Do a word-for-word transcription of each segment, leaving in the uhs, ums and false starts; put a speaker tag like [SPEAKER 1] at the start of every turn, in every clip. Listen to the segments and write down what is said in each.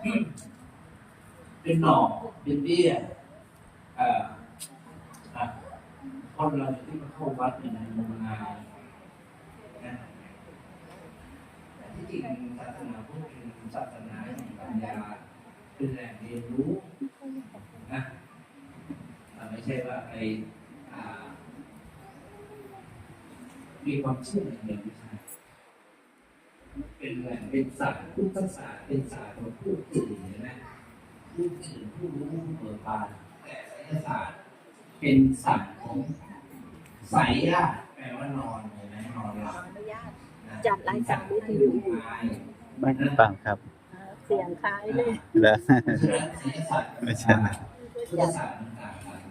[SPEAKER 1] เป็นหน่อเป็นเบี้ยอ่าอ่ะคนเราที่มาเข้าวัดเนี่ยนะงมงายนะแต่ที่จริงศาสนาพุทธเป็นศาสนาแห่งปัญญาเป็นแหล่งเรียนรู้นะไม่ใช่ว่าไปมีความเชื่ออย่างเดียวไม่ใช่เป็นแหล่งเป็นศาสตร์พุทธศาสตร์เป็นศาสตร์ของผู้ตื่นนะผู้ตื่นผู้รู้ผู้เบิกบานแต่ไสยศาสตร์เป็นศาสตร์ของไสยะแปลว่านอนเห็นไหมนอนหลับ
[SPEAKER 2] จัดรายการวิทยุ
[SPEAKER 3] ไม่ฟังครับ
[SPEAKER 2] เสียงคล้ายเลย
[SPEAKER 3] แล้ว
[SPEAKER 1] ไม่ใช่พุทธศาสตร์มันต่างกัน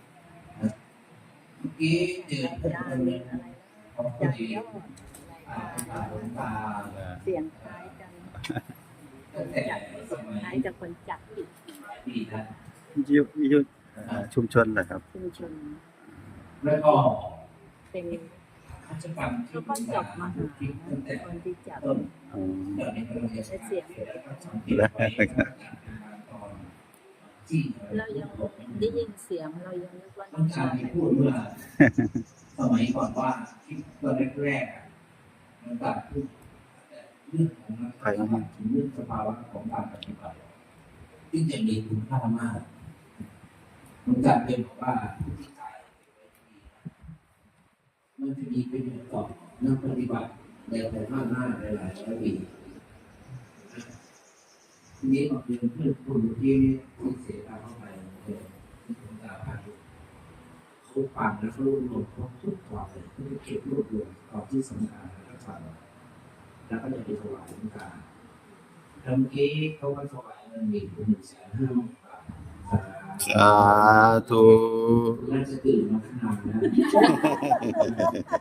[SPEAKER 1] เมื่อกี้เจอคนหนึ่งเขาพอดีอ่าตาหลวงตา
[SPEAKER 2] เสียงคล้ายกัน
[SPEAKER 1] ตั้งแต่สมัย
[SPEAKER 2] คล้ายกับคนจัดอีก
[SPEAKER 1] ปีนะ
[SPEAKER 3] ยุยุชุมชนเหรอครับ
[SPEAKER 2] ชุมชน
[SPEAKER 1] แล้วก็
[SPEAKER 2] เป็น
[SPEAKER 1] กิจกรรมที่
[SPEAKER 2] ก็จบมา
[SPEAKER 1] ตั้งแต่
[SPEAKER 2] คนที่จัด
[SPEAKER 1] ต้นตอนนี้เราจะ
[SPEAKER 2] เสียง
[SPEAKER 1] แล้วก็สังเกตไว้ตอนที่
[SPEAKER 2] เรายังได้ยินเสียงเรายังนึกว่า
[SPEAKER 1] ต้องการที่พูดเมื่อสมัยก่อนว่าที่ตอนแรกๆมันตัดพูดเรื่องของนักปฏิบัติถึงเรื่องสภาวะของการปฏิบัติที่จะมีคุณค่ามากมันจัดเป็นบอกว่าผู้ที่ตายมันจะมีประโยชน์ต่อนักปฏิบัติในภายภาคหน้าในหลายร้อยปีทีนี้มาเป็นเพื่อนคุณที่ที่เสียตาเข้าไปเลยที่ผมตาผ่านเขาปั่นแล้วเขารวบรวมครบทุกตอนเลยเขาจะเก็บรวบรวมตอนที่สำคัญแล้วก็ปั่นแล้วก็จะไปถวายหลวงตาทำกี้เขาก็ถวายเงินอีกหนึ่งแสนห้าหมื่นบาท
[SPEAKER 3] สาธุ
[SPEAKER 1] น่าจะตื่นมาขนาดนั้น